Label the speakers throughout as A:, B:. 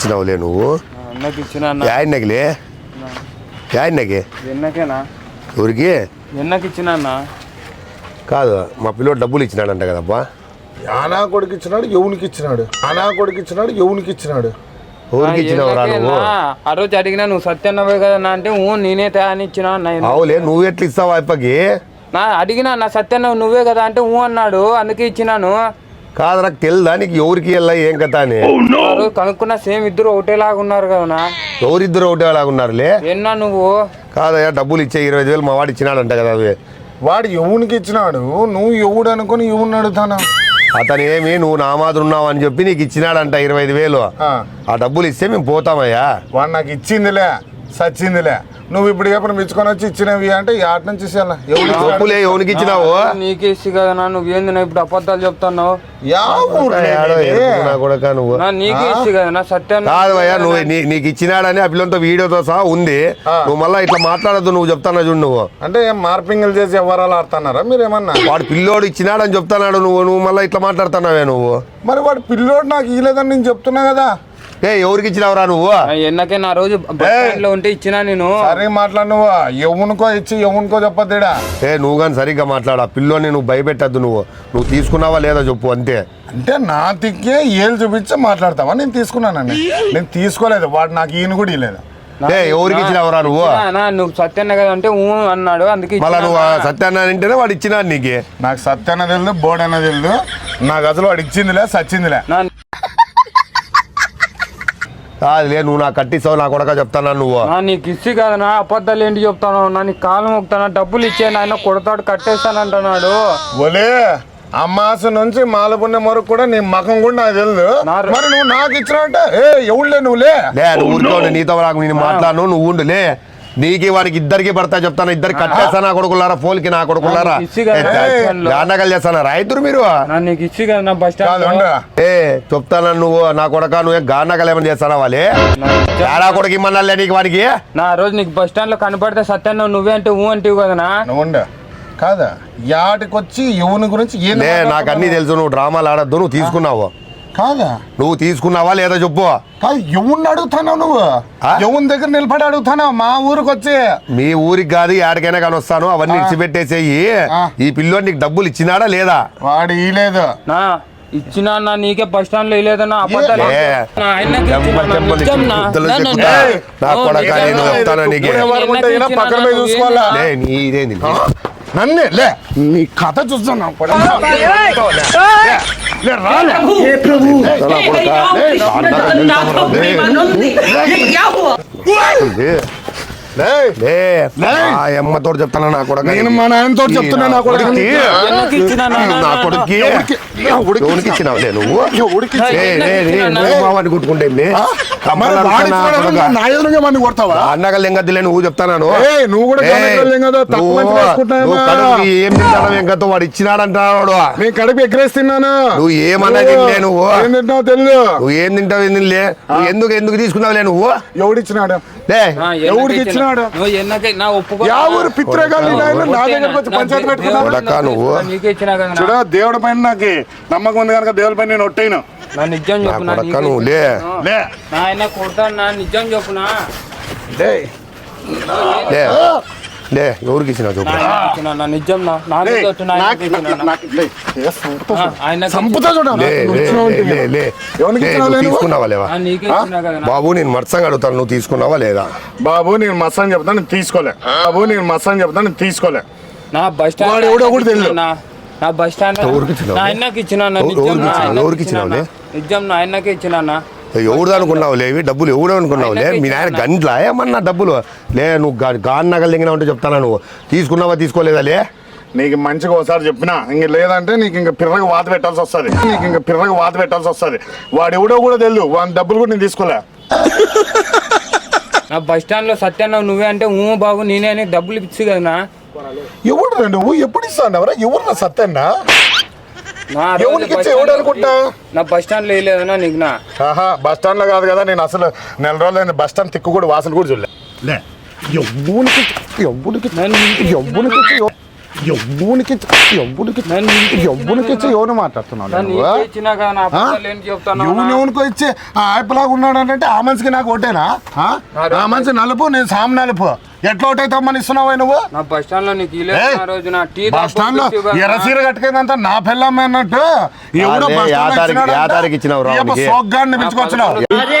A: ఇచ్చినావులే నువ్వు యాన్నకిలే యాన్నకి
B: ఎన్నకేనా
A: ఎవరికి
B: ఎన్నకి ఇచ్చినా
A: కాదు మా పిల్లోడు డబ్బులు ఇచ్చినాడంట కదబ్బా.
C: ఆనా కొడుకు ఇచ్చినాడు ఎవనికి ఇచ్చినాడు ఆనా కొడుకు ఇచ్చినాడు ఎవనికి ఇచ్చినాడు
A: ఎవరికి ఇచ్చినావురా నువ్వు?
B: ఆ రోజు అడిగినా నువ్వు సత్యన్నవే కదా అంటే నేనే తయారు ఇచ్చినా.
A: అవులే నువ్వు ఎట్లా ఇస్తావు అప్పకి?
B: అడిగినా నా సత్యన్న నువ్వే కదా అంటే అన్నాడు, అందుకే ఇచ్చినాను.
A: కాదు నాకు తెలుదా నీకు ఎవరికి వెళ్ళా ఏం కథ అని?
B: కనుక్కున్నా సేమ్ ఇద్దరు ఒకటేలాగా ఉన్నారు కదా.
A: ఎవరిద్దరు ఒకటేలాగా ఉన్నారులే.
B: ఎన్నా నువ్వు
A: కాదయ్యా డబ్బులు ఇచ్చే 20,000 మా వాడు ఇచ్చినాడంట కదా. అవి
C: వాడు ఎవనికి ఇచ్చినాడు నువ్వు ఎవడు అనుకుని ఎవరిని అడుగుతాను?
A: అతను ఏమి నువ్వు నా మాదిరి ఉన్నావు అని చెప్పి నీకు ఇచ్చినాడంట 25,000. ఆ డబ్బులు ఇస్తే మేము పోతామయ్యా.
C: వాడు నాకు ఇచ్చిందిలే సచ్చిందిలే. నువ్వు ఇప్పుడు ఎప్పుడు మెచ్చుకొని వచ్చి ఇచ్చినవి అంటే యాట నుంచి
A: డబ్బులే ఎవరికి ఇచ్చినావు?
B: నీకే ఇచ్చి కదా నువ్వేంది ఇప్పుడు అబద్ధాలు చెప్తున్నావు? నీకే ఇచ్చి కదా సత్యం
A: కాదు అయ్యా నువ్వు నీకు ఇచ్చినాడని ఆ పిల్లలతో వీడియోతో సహా ఉంది. నువ్వు మళ్ళీ ఇట్లా మాట్లాడద్దు. నువ్వు చెప్తానా చూడు. నువ్వు
C: అంటే ఏం మార్పింగ్లు చేసి ఎవరాలు ఆడుతున్నారా మీరేమన్నా?
A: వాడు పిల్లోడు ఇచ్చినాడని చెప్తున్నాడు. నువ్వు మళ్ళీ ఇట్లా మాట్లాడుతున్నావే నువ్వు.
C: మరి వాడు పిల్లోడు నాకు ఇవ్వలేదని నేను చెప్తున్నా కదా.
A: ఎవరికి ఇచ్చినావురా నువ్వు?
B: ఎన్నకే నా రోజు లో ఉంటే ఇచ్చినా నేను.
C: సరే మాట్లాడు. నువ్వు ఎవనుకో ఇచ్చి ఎవనుకో చెప్పద్దేడా.
A: నువ్వు కానీ సరిగ్గా మాట్లాడు. ఆ పిల్లోని నువ్వు భయపెట్టద్దు. నువ్వు తీసుకున్నావా లేదా చెప్పు అంతే.
C: అంటే నా తిక్కే ఏళ్ళు చూపించి మాట్లాడతావా? నేను తీసుకున్నానండి. నేను తీసుకోలేదు. వాడు నాకు ఈయన కూడా ఇవ్వలేదు.
A: ఎవరికి ఇచ్చినావురా నువ్వు?
B: నువ్వు సత్యన్న కదా అంటే అన్నాడు, అందుకే.
A: మళ్ళీ నువ్వు సత్యాన్న అంటేనే వాడు ఇచ్చినాడు నీకు.
C: నాకు సత్యాన్న తెలియదు బోర్డు అన్న తెలియదు. నాకు అసలు వాడు ఇచ్చిందిలే సచ్చిందిలే.
A: కాదులే నువ్వు నాకు కట్టిస్తావు నా కొడక చెప్తానా నువ్వు?
B: నీకు ఇచ్చి కదా అబద్ధాలు ఏంటి చెప్తాను? నీకు కాలం మొక్కుతానా? డబ్బులు ఇచ్చే ఆయన కొడతాడు కట్టేస్తానంటున్నాడు.
C: ఒలే అమ్మాస నుంచి మాలపుణ్యం వరకు కూడా నీ మకం కూడా నాకు తెలియదు. మరి నువ్వు నాకు ఇచ్చినట్టే ఎవడులే నువ్వులే.
A: నువ్వు ఊరుకోండి. నీతో నాకు నేను మాట్లాడను. నువ్వు ఉండులే. నీకు వానికి ఇద్దరికి పడతా చెప్తాను. ఇద్దరికి కట్టేస్తా నా కొడుకులారా. పోలికి నా కొడుకులారా నాన్నగాలు చేస్తానారా ఇద్దరు మీరు? చెప్తాను నువ్వు నా కొడక నువ్వే గాన్నగలు ఏమైనా చేస్తానా? వాళ్ళే ఏడా కొడుకు ఇమ్మన్నా నీకు వానికి?
B: నా రోజు నీకు బస్ స్టాండ్ లో కనపడితే సత్యాన్ని నువ్వే అంటే అంటివి కదా.
C: నువ్వు కాదా యాటికొచ్చి ఎవరి గురించి
A: నాకు అన్ని తెలుసు. నువ్వు డ్రామాలు ఆడద్దు. నువ్వు తీసుకున్నావు
C: కాదా?
A: నువ్వు తీసుకున్నావా లేదా చెప్పు.
C: కాదు ఎవరిని అడుగుతున్నావు నువ్వు? ఎవరి దగ్గర నిలబడి అడుగుతున్నావు? మా ఊరికి వచ్చి.
A: మీ ఊరికి కాదు ఏడికైనా కానీ వస్తాను. అవన్నీ ఇచ్చిపెట్టేసేయి. ఈ పిల్లోడు నీకు డబ్బులు ఇచ్చినాడా లేదా?
C: వాడు ఇవ్వలేదు.
B: ఇచ్చినా నీకే బస్ స్టాండ్ లో ఇవ్వలేదన్నా.
C: పక్కన పోయి చూసుకోవాలా?
A: నీదేంది
C: నన్నే లే నీ కథ చూస్తున్నా. అమ్మతో చెప్తాను నా కొడుకు. నేను మా నాయనతో చెప్తున్నా నా కొడుకు. నా కొడుకు ఇచ్చినావులే నువ్వు. కొట్టుకుంటే అన్నగల్ ఎంగద్దులే నువ్వు చెప్తాను. నువ్వు కూడా ఏం తింటాను ఎంగతో వాడు ఇచ్చినాడంటాడు. నేను కడుపు ఎక్కరేస్తున్నాను. నువ్వు ఏమన్నా తినలే. నువ్వు ఏం తింటావు తెలియదు. నువ్వు ఏం తింటావు ఏం తినలే. నువ్వు ఎందుకు తీసుకున్నావులే నువ్వు? ఎవడిచ్చినాడు? ఎవడికి ఇచ్చినాడు? చూడ దేవుడి పైన నాకు నమ్మకం ఉంది కనుక దేవుడి పైన నేను ఒట్టేను.
B: నిజం చెప్పునా?
A: ఎవరికి ఇచ్చినావు చెప్పు. తీసుకున్నావా లేదా? బాబు నేను మత్సంగా అడుగుతాను. నువ్వు తీసుకున్నావా లేదా?
C: బాబు నేను మత్సంగా చెప్తాను నేను తీసుకోలే. బాబు నేను మత్సంగా చెప్తాను నేను తీసుకోలే.
B: నా బస్ స్టాండ్
C: ఎవడో కూడా తెలియదు.
B: నా బస్ స్టాండ్ ఆయనకి ఇచ్చినా.
A: ఎవరికి ఇచ్చినావులే?
B: నిజం నా ఆయనకే ఇచ్చినా.
A: ఎవడు అనుకున్నావు లేవి డబ్బులు? ఎవడు అనుకున్నావులే? మీ నాయన గంటలా ఏమన్నా డబ్బులు లే? నువ్వు గాన్నగలు దిగినా ఉంటే చెప్తానా? నువ్వు తీసుకున్నావా తీసుకోలేదా? లే
C: నీకు మంచిగా ఒకసారి చెప్పినా ఇంక లేదంటే నీకు ఇంకా పిర్రగా వాత పెట్టాల్సి వస్తుంది. వాడు ఎవడో కూడా తెలియదు. వాడి డబ్బులు కూడా నేను తీసుకోలే.
B: నా బస్ స్టాండ్ లో సత్యాన్న నువ్వే అంటే బాబు నేనే అని డబ్బులు ఇచ్చి కదా.
C: ఎవడు నువ్వు ఎప్పుడు ఇస్తాను? ఎవరు నా సత్యన్నా?
B: నా బస్ స్టాండ్ లో వేయలేదన్నా నీకు?
C: బస్ స్టాండ్ లో కాదు కదా. నేను అసలు నెల రోజులు బస్ స్టాండ్ తిక్కు కూడా వాసన కూడా చూడలే. ఎవ్వునికి ఎవరు మాట్లాడుతున్నావు ఎవరికో ఇచ్చి ఆ ఆయపలాగా ఉన్నాడు అంటే ఆ మనిషికి నాకు ఒకటేనా ఆ మనిషి నలుపు నేను సామ్ నలుపు ఎట్లా ఒకటైతామని ఇస్తున్నావు నువ్వు
B: బస్ స్టాండ్ లో నీకు
C: బస్ స్టాండ్ లో ఎర్రసీర కట్టుకుందంతా నా పిల్లమ్మ అన్నట్టు ఎవడో సోగ్గాడిని పిలుచుకొచ్చినావు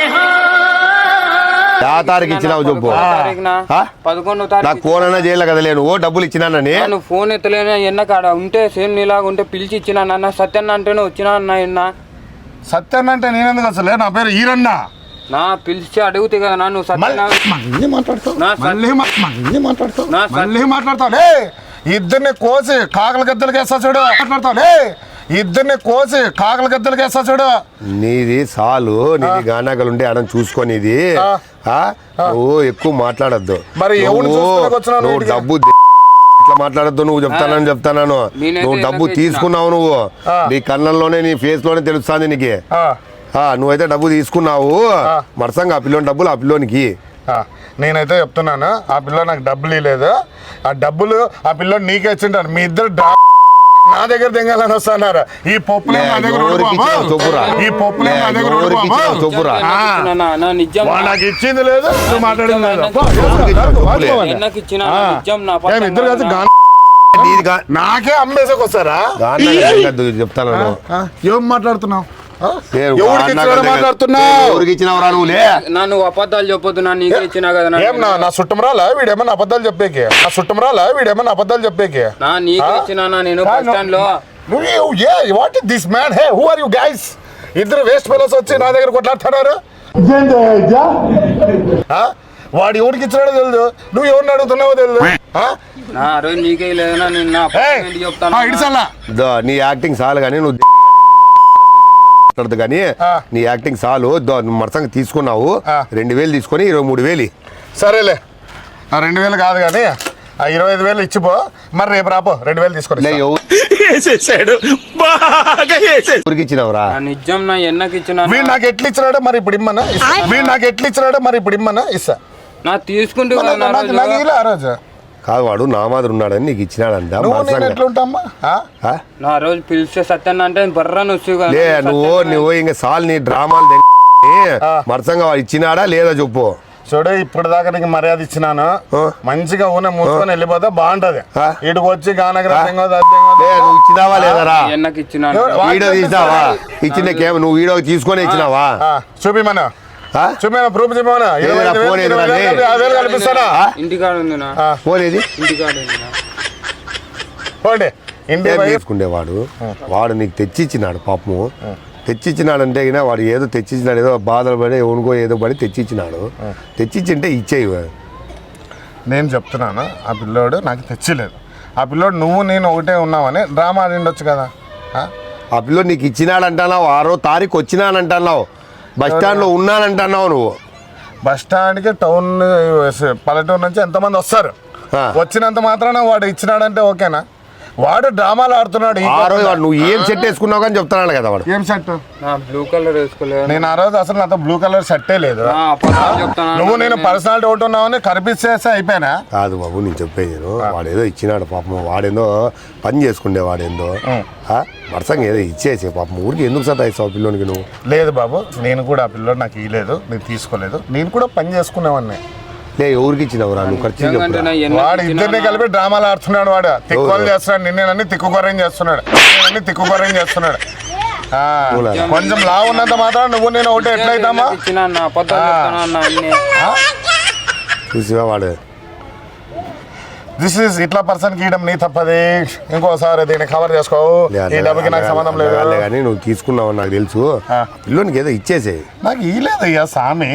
A: తారీఖు ఇచ్చినావు చెప్పు నాకు ఫోన్ అయినా చేయలే కదా లేను డబ్బులు ఇచ్చినానని
B: నువ్వు ఫోన్ ఎత్తలేనా ఎన్న కాడ ఉంటే సేమ్ నీలాగా ఉంటే పిలిచి ఇచ్చినా సత్యన్న అంటేనే వచ్చినా అన్న
C: సత్యన్న అంటే నేనెందుకు అసలే నా పేరు ఈరన్న
B: నా పిలిచి అడుగుతే కదా నువ్వు
C: మాట్లాడతావు ఇద్దరిని కోసి కాకల గద్దలకి వేస్తా చూడు మాట్లాడతావు ఇద్దరిని కోసి కాకల గద్దలకి వేస్తా చూడు
A: నీది సాలు నీది గానాగలు ఉండే అడం చూసుకొని ఇది నువ్వు ఎక్కువ మాట్లాడద్దు
C: మరి
A: నువ్వు డబ్బు ఇట్లా మాట్లాడద్దు నువ్వు చెప్తాను నువ్వు డబ్బు తీసుకున్నావు నువ్వు నీ కళ్ళల్లోనే నీ ఫేస్ లోనే తెలుస్తుంది నీకు నువ్వైతే డబ్బు తీసుకున్నావు మరసంగా ఆ పిల్లోని డబ్బులు ఆ పిల్లోనికి
C: నేనైతే చెప్తున్నాను ఆ పిల్ల నాకు డబ్బులు ఇవ్వలేదు ఆ డబ్బులు ఆ పిల్లోని నీకే ఇచ్చింటాను మీ ఇద్దరు నా దగ్గర దింగాలని వస్తున్నారు ఈ పప్పులే నా దగ్గర ఈ పప్పులే నా దగ్గర నాకు ఇచ్చింది లేదు నువ్వు మాట్లాడింది లేదు నాకే అమ్మేసకి వస్తారా
A: చెప్తాను
C: ఏం మాట్లాడుతున్నావు
B: నువ్వు అబద్ధాలు చెప్పొద్దు నీకే ఇచ్చినా కదా
C: నా చుట్టం రాలా వీడేమన్నా అబద్ధాలు చెప్పేకి
B: నీకే ఇచ్చినా నేను బస్ స్టాండ్ లో
C: what is this man hey who are you guys ఇద్దరు వేస్ట్ ఫెలోస్ వచ్చి నా దగ్గర కొట్లాడుతున్నారు వాడు ఎవరికి ఇచ్చినాడో తెలియదు నువ్వు ఎవరిని అడుగుతున్నావో తెలియదు
B: నీకే లేదన్నా నేను
A: నీ యాక్టింగ్ చాలు కానీ నువ్వు కానీ నీ యాక్టింగ్ చాలు మరసంగా తీసుకున్నావు 2000 తీసుకొని 23,000
C: సరేలే 2000 కాదు కానీ 25,000 ఇచ్చిపో మరి రేపు రాపో 2000 తీసుకొని
A: ఇచ్చినవరా
B: నిజం నా ఎన్నకి ఇచ్చిన
C: వీడు నాకు ఎట్లు ఇచ్చినాడో మరి ఇప్పుడు ఇమ్మన్నా ఇస్తా
B: నా తీసుకుంటే
C: ఆ రోజు
A: కాదు వాడు నా మాదిరి ఉన్నాడని నీకు ఇచ్చినాడంట
B: నా రోజు పిలిచే సత్యన్న అంటే బర్రా
A: నువ్వు ఇంకా సాల్ నీ డ్రామాలు మరసంగా వాడు ఇచ్చినాడా లేదా చెప్పు
C: చూడు ఇప్పుడు దాకా నీకు మర్యాద ఇచ్చినాను మంచిగా ఊనే మూసుకొని వెళ్ళిపోతే బాగుంటది ఇటుకు వచ్చి
A: నువ్వు ఇచ్చినావా లేదరా
B: ఇచ్చిన
A: వీడియో తీసినావా నువ్వు వీడియో తీసుకొని ఇచ్చినావా
C: చూపిమను ప్రూఫ్ కల్పిస్తానా
B: ఇంటికాడ
A: తీసుకునేవాడు వాడు నీకు తెచ్చిచ్చినాడు పాపము తెచ్చిచ్చినాడంటే వాడు ఏదో తెచ్చిచ్చినాడు ఏదో బాధలు పడి ఎవనుకో ఏదో పడి తెచ్చిచ్చినాడు తెచ్చిచ్చింటే ఇచ్చేయి
C: నేను చెప్తున్నాను ఆ పిల్లోడు నాకు తెచ్చిలేదు ఆ పిల్లోడు నువ్వు నేను ఒకటే ఉన్నావని డ్రామా ఆడిండొచ్చు కదా
A: ఆ పిల్లోడు నీకు ఇచ్చినాడంటున్నావు 6వ తారీఖు వచ్చినానంటున్నావు బస్ స్టాండ్ లో ఉన్నానంటున్నావు నువ్వు
C: బస్ స్టాండ్కి టౌన్ పల్లెటూరు నుంచి ఎంతమంది వస్తారు వచ్చినంత మాత్రాన వాడు ఇచ్చినాడంటే ఓకేనా వాడు డ్రామాలు ఆడుతున్నాడు
A: నువ్వు ఏం సెట్ వేసుకున్నావు కానీ చెప్తున్నాడు కదా వాడు
C: ఏం షర్ట్
B: బ్లూ కలర్ వేసుకోలేదు
C: నేను ఆ రోజు అసలు నాతో బ్లూ కలర్ షర్టే లేదు నువ్వు నేను పర్సనాలిటీ ఒకటి ఉన్నావని కనిపిస్తే అయిపోయినా
A: కాదు బాబు నేను చెప్పేది వాడేదో ఇచ్చినాడు పాపం వాడేందో పని చేసుకుండే వాడేందో వర్షంగా ఏదో ఇచ్చేసే పాపం ఊరికి ఎందుకు సతాయిస్తావు పిల్లోనికి నువ్వు
C: లేదు బాబు నేను కూడా ఆ పిల్లోడు నాకు ఇవ్వలేదు నేను తీసుకోలేదు నేను కూడా పని చేసుకునేవాడిని
A: ఎవరికి ఇచ్చినవరా నువ్వు ఖర్చు
C: వాడు ఇద్దరిని కలిపి డ్రామాలు ఆడుతున్నాడు వాడు తిక్కువలు చేస్తున్నాడు నిన్నేనని తిక్కుకొర్రం చేస్తున్నాడు కొంచెం లా ఉన్నంత మాత్రం నువ్వు నేను ఒకటి ఎట్లయితామా
A: చూసివా వాడు
C: దిస్ ఇస్ ఇట్లా పర్సన్ గీయడం నీ తప్పది ఇంకోసారి దీన్ని కవర్ చేసుకోవు ఈ డబ్బుకి నాకు సంబంధం లేదు
A: కానీ నువ్వు తీసుకున్నావు నాకు తెలుసు పిల్లోనికి ఏదో ఇచ్చేసేయి
C: నాకు ఇలేదయ్యా సామి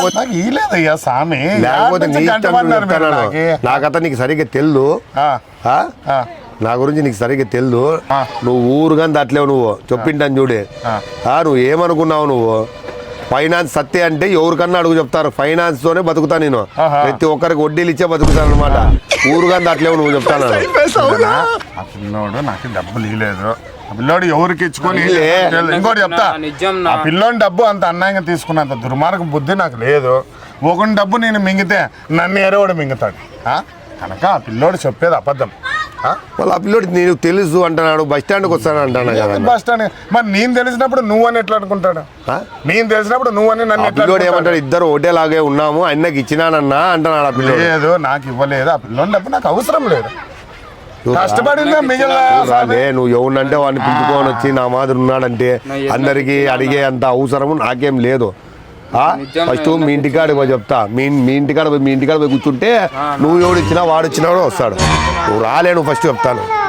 A: లేకపోతే నాకత నీకు సరిగ్గా తెలుదు నా గురించి నీకు సరిగ్గా తెలుదు నువ్వు ఊరుగాని దాట్లేవు నువ్వు చెప్పింటాను చూడే నువ్వు ఏమనుకున్నావు నువ్వు ఫైనాన్స్ సత్తే అంటే ఎవరికన్నా అడుగు చెప్తారు ఫైనాన్స్ తోనే బతుకుతా నేను ప్రతి ఒక్కరికి వడ్డీలు ఇచ్చే బతుకుతాను అనమాట ఊరుగా దాట్లేవు నువ్వు చెప్తాను
C: ఆ పిల్లోడు నాకు డబ్బులు ఇవ్వలేదు ఆ పిల్లోడు ఎవరికి ఇచ్చుకొని ఇంకోటి చెప్తా ఆ పిల్లోని డబ్బు అంత అన్యాయంగా తీసుకున్నంత దుర్మార్గ బుద్ధి నాకు లేదు ఒకని డబ్బు నేను మింగితే నన్ను ఎరవడు మింగుతాడు కనుక ఆ పిల్లోడు చెప్పేది అబద్ధం
A: వాళ్ళ ఆ పిల్లోడు నీకు తెలుసు అంటున్నాడు, బస్ స్టాండ్కి వస్తాను అంటాను కదా.
C: బస్ స్టాండ్ మరి నేను తెలిసినప్పుడు నువ్వని ఎట్లా అనుకుంటాడు? నేను తెలిసినప్పుడు నువ్వని నన్ను ఎట్లా
A: పిల్లోడు ఏమంటాడు, ఇద్దరు ఒకటేలాగే ఉన్నాము, అన్నకి ఇచ్చినానన్నా అంటున్నాడు ఆ పిల్లోడు.
C: లేదు నాకు ఇవ్వలేదు, ఆ పిల్లోని డబ్బు నాకు అవసరం లేదు, కష్టపడిందే మిగిలిన.
A: నువ్వు ఎవరినంటే వాడిని పిలుచుకొని వచ్చి నా మాదిరి ఉన్నాడంటే అందరికి అడిగే అంత అవసరము నాకేం లేదు. ఫస్ట్ మీ ఇంటికాడికి పోయి చెప్తా, మీ ఇంటికాడ పోయి కూర్చుంటే నువ్వు ఎవడు ఇచ్చినా వాడు ఇచ్చినా వస్తాడు. నువ్వు రాలే, నువ్వు ఫస్ట్ చెప్తాను.